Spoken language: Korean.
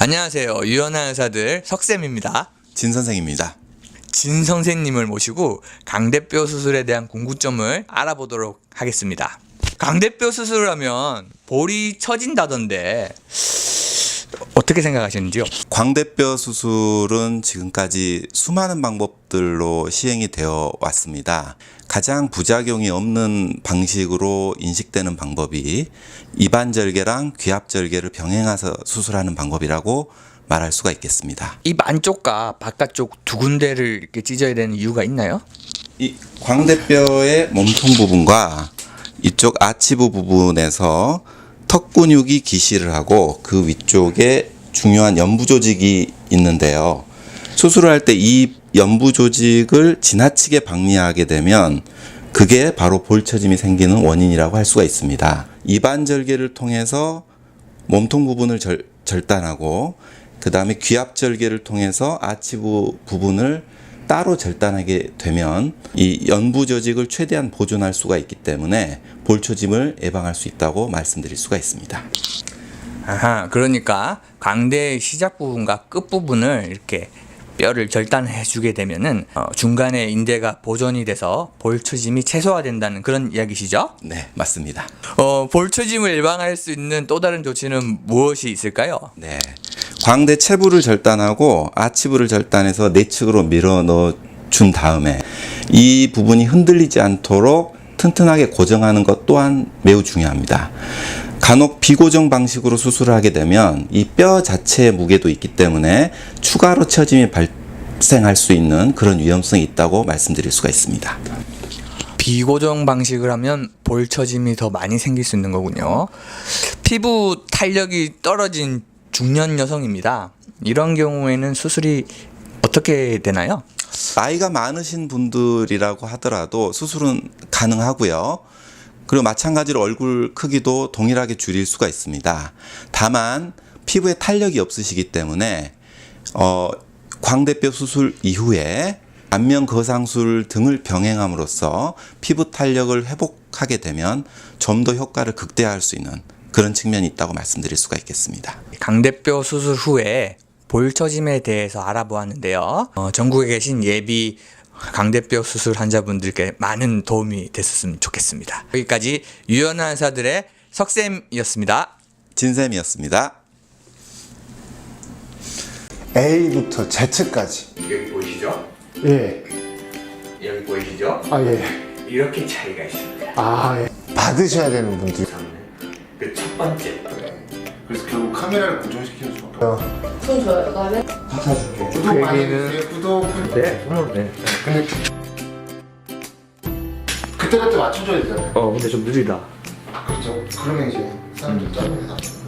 안녕하세요. 유연한 의사들 석쌤입니다. 진 선생입니다. 진 선생님을 모시고 강대뼈 수술에 대한 궁금점을 알아보도록 하겠습니다. 강대뼈 수술을 하면 볼이 처진다던데 어떻게 생각하시는지요? 광대뼈 수술은 지금까지 수많은 방법들로 시행이 되어 왔습니다. 가장 부작용이 없는 방식으로 인식되는 방법이 입안절개랑 귀압절개를 병행해서 수술하는 방법이라고 말할 수가 있겠습니다. 입 안쪽과 바깥쪽 두 군데를 이렇게 찢어야 되는 이유가 있나요? 이 광대뼈의 몸통 부분과 이쪽 아치부 부분에서 턱 근육이 기시를 하고 그 위쪽에 중요한 연부 조직이 있는데요. 수술을 할 때 이 연부 조직을 지나치게 박리하게 되면 그게 바로 볼처짐이 생기는 원인이라고 할 수가 있습니다. 입안절개를 통해서 몸통 부분을 절단하고 그 다음에 귀압절개를 통해서 아치부 부분을 따로 절단하게 되면 이 연부 조직을 최대한 보존할 수가 있기 때문에 볼초짐을 예방할 수 있다고 말씀드릴 수가 있습니다. 아하, 그러니까 광대의 시작 부분과 끝 부분을 이렇게 뼈를 절단해 주게 되면은 중간에 인대가 보존이 돼서 볼초짐이 최소화된다는 그런 이야기시죠? 네, 맞습니다. 볼초짐을 예방할 수 있는 또 다른 조치는 무엇이 있을까요? 네, 광대 체부를 절단하고 아치부를 절단해서 내측으로 밀어 넣어 준 다음에 이 부분이 흔들리지 않도록 튼튼하게 고정하는 것 또한 매우 중요합니다. 간혹 비고정 방식으로 수술을 하게 되면 이 뼈 자체의 무게도 있기 때문에 추가로 처짐이 발생할 수 있는 그런 위험성이 있다고 말씀드릴 수가 있습니다. 비고정 방식을 하면 볼처짐이 더 많이 생길 수 있는 거군요. 피부 탄력이 떨어진 중년 여성입니다. 이런 경우에는 수술이 어떻게 되나요? 나이가 많으신 분들이라고 하더라도 수술은 가능하고요. 그리고 마찬가지로 얼굴 크기도 동일하게 줄일 수가 있습니다. 다만 피부에 탄력이 없으시기 때문에 광대뼈 수술 이후에 안면 거상술 등을 병행함으로써 피부 탄력을 회복하게 되면 좀 더 효과를 극대화할 수 있는 그런 측면이 있다고 말씀드릴 수가 있겠습니다. 강대뼈 수술 후에 볼처짐에 대해서 알아보았는데요. 전국에 계신 예비 강대뼈 수술 환자분들께 많은 도움이 됐었으면 좋겠습니다. 여기까지 유연한 의사들의 석쌤이었습니다. 진쌤이었습니다. A부터 Z까지. 여기 보이시죠? 예. 여기 보이시죠? 아, 예. 이렇게 차이가 있습니다. 아, 예. 받으셔야 되는 분들이. 그 첫 번째. 그래서 결국 카메라를 고정시키는 수밖에 없어요. 손 줘요, 그다음에? 구독 많이 해주세요. 구독. 네, 네. 근데 그때그때 맞춰줘야 되잖아요. 근데 좀 느리다. 그렇죠. 그러면 이제 사람들 짜증이 나죠.